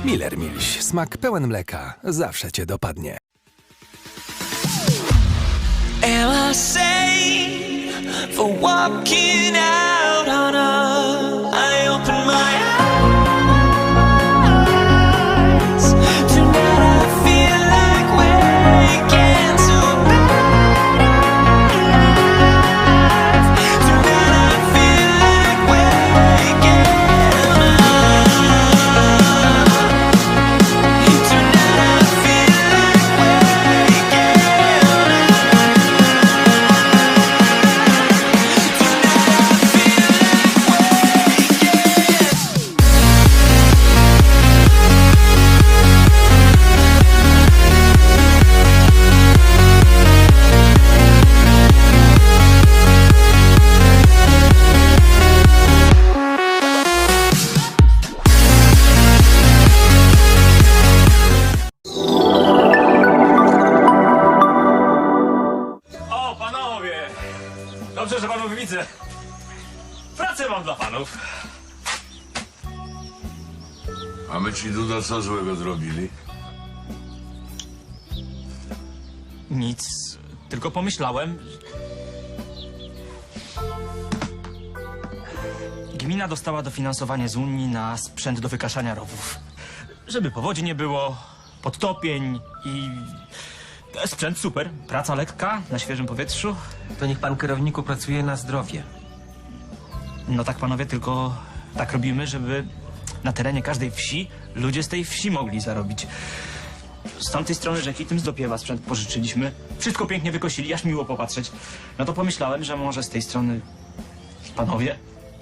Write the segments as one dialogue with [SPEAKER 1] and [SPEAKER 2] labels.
[SPEAKER 1] Miller Milś. Smak pełen mleka. Zawsze cię dopadnie.
[SPEAKER 2] Am I sane for walking out on us? I open my eyes. Tonight I feel like waking to life. Tonight I feel like waking up. Tonight I feel like waking
[SPEAKER 3] O, panowie! Dobrze, że panów widzę. Pracę mam dla panów.
[SPEAKER 4] A my ci, Duda, co złego zrobili?
[SPEAKER 3] Nic, tylko pomyślałem. Gmina dostała dofinansowanie z Unii na sprzęt do wykaszania rowów. Żeby powodzi nie było, podtopień i... Sprzęt super, praca lekka, na świeżym powietrzu.
[SPEAKER 5] To niech pan kierowniku pracuje na zdrowie.
[SPEAKER 3] No tak, panowie, tylko tak robimy, żeby na terenie każdej wsi ludzie z tej wsi mogli zarobić. Z tamtej strony rzeki tym z dopiewa sprzęt pożyczyliśmy. Wszystko pięknie wykosili, aż miło popatrzeć. No to pomyślałem, że może z tej strony panowie.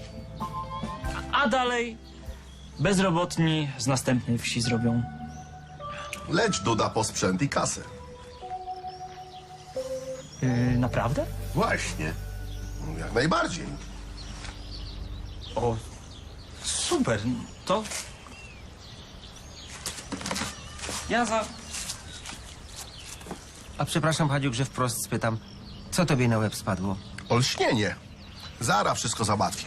[SPEAKER 3] A dalej bezrobotni z następnej wsi zrobią.
[SPEAKER 6] Leć, Duda, po sprzęt i kasę.
[SPEAKER 3] Naprawdę?
[SPEAKER 6] Właśnie. Jak najbardziej.
[SPEAKER 3] O, super. To... Ja za...
[SPEAKER 5] A przepraszam, Hadziuk, że wprost spytam. Co tobie na łeb spadło?
[SPEAKER 6] Olśnienie. Zara wszystko załatwię.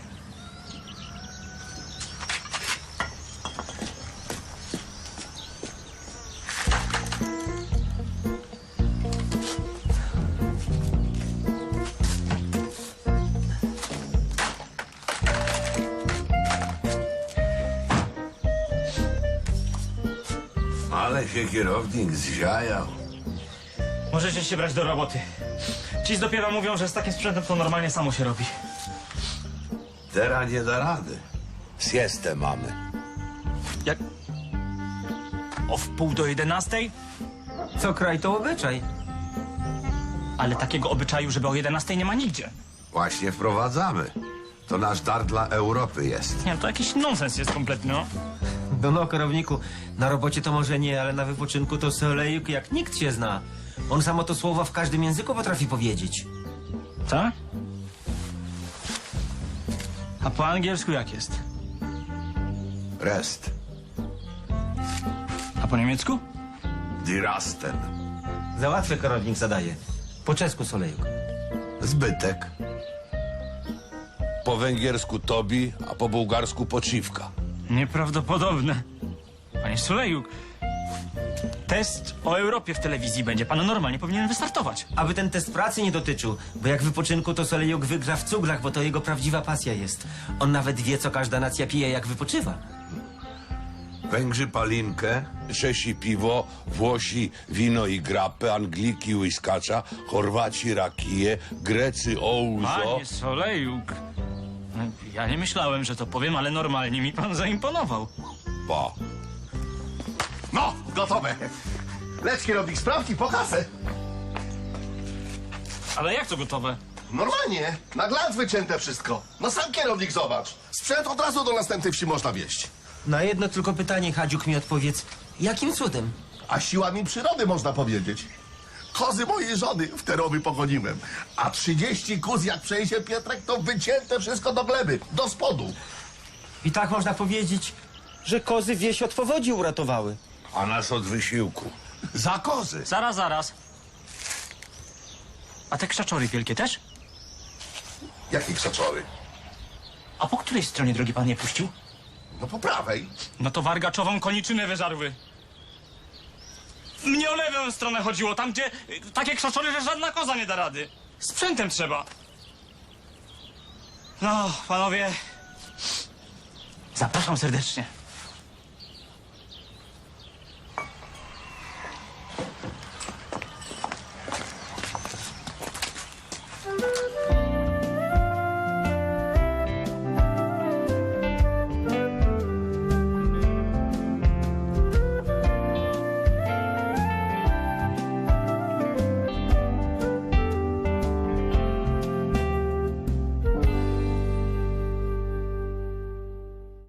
[SPEAKER 4] Ale się kierownik zziajał.
[SPEAKER 3] Możecie się brać do roboty. Ci z dopiewa mówią, że z takim sprzętem to normalnie samo się robi.
[SPEAKER 4] Teraz nie da rady. Siestę mamy.
[SPEAKER 3] Jak... O wpół do 11?
[SPEAKER 5] Co kraj to obyczaj.
[SPEAKER 3] Ale takiego obyczaju, żeby o 11 nie ma nigdzie.
[SPEAKER 4] Właśnie wprowadzamy. To nasz dar dla Europy jest.
[SPEAKER 3] Nie, to jakiś nonsens jest kompletny, no.
[SPEAKER 5] No, kierowniku, na robocie to może nie, ale na wypoczynku to Solejuk jak nikt się zna. On samo to słowa w każdym języku potrafi powiedzieć.
[SPEAKER 3] Tak? A po angielsku jak jest?
[SPEAKER 4] Rest.
[SPEAKER 3] A po niemiecku?
[SPEAKER 4] Die Rasten.
[SPEAKER 5] Załatwię, kierownik zadaje. Po czesku Solejuk.
[SPEAKER 4] Zbytek. Po węgiersku Tobi, a po bułgarsku Poczivka.
[SPEAKER 3] Nieprawdopodobne. Panie Solejuk, test o Europie w telewizji będzie. Pan normalnie powinien wystartować.
[SPEAKER 5] Aby ten test pracy nie dotyczył, bo jak wypoczynku to Solejuk wygra w cuglach, bo to jego prawdziwa pasja jest. On nawet wie, co każda nacja pije, jak wypoczywa.
[SPEAKER 4] Węgrzy palinkę, Czesi piwo, Włosi wino i grappę, Angliki łyskacza, Chorwaci rakiję, Grecy ouzo.
[SPEAKER 3] Panie Solejuk, no, ja nie myślałem, że to powiem, ale normalnie mi pan zaimponował.
[SPEAKER 4] Pa.
[SPEAKER 6] No, gotowe. Leć, kierownik, sprawki po kasę.
[SPEAKER 3] Ale jak to gotowe?
[SPEAKER 6] Normalnie. Na glans wycięte wszystko. No sam kierownik zobacz. Sprzęt od razu do następnej wsi można wieźć.
[SPEAKER 5] Na jedno tylko pytanie, Hadziuk, mi odpowiedz. Jakim cudem?
[SPEAKER 6] A siłami przyrody można powiedzieć. Kozy mojej żony w te rowy pogoniłem. A 30 kóz, jak przejdzie Pietrek, to wycięte wszystko do gleby, do spodu.
[SPEAKER 5] I tak można powiedzieć, że kozy wieś od powodzi uratowały.
[SPEAKER 4] A nas od wysiłku.
[SPEAKER 6] Za kozy.
[SPEAKER 3] Zaraz. A te krzaczory wielkie też?
[SPEAKER 6] Jakie krzaczory?
[SPEAKER 3] A po której stronie drogi pan je puścił?
[SPEAKER 6] No po prawej.
[SPEAKER 3] No to wargaczową koniczynę wyżarły. Mnie o lewą stronę chodziło, tam gdzie takie krzaczory, że żadna koza nie da rady. Sprzętem trzeba. No, panowie, zapraszam serdecznie.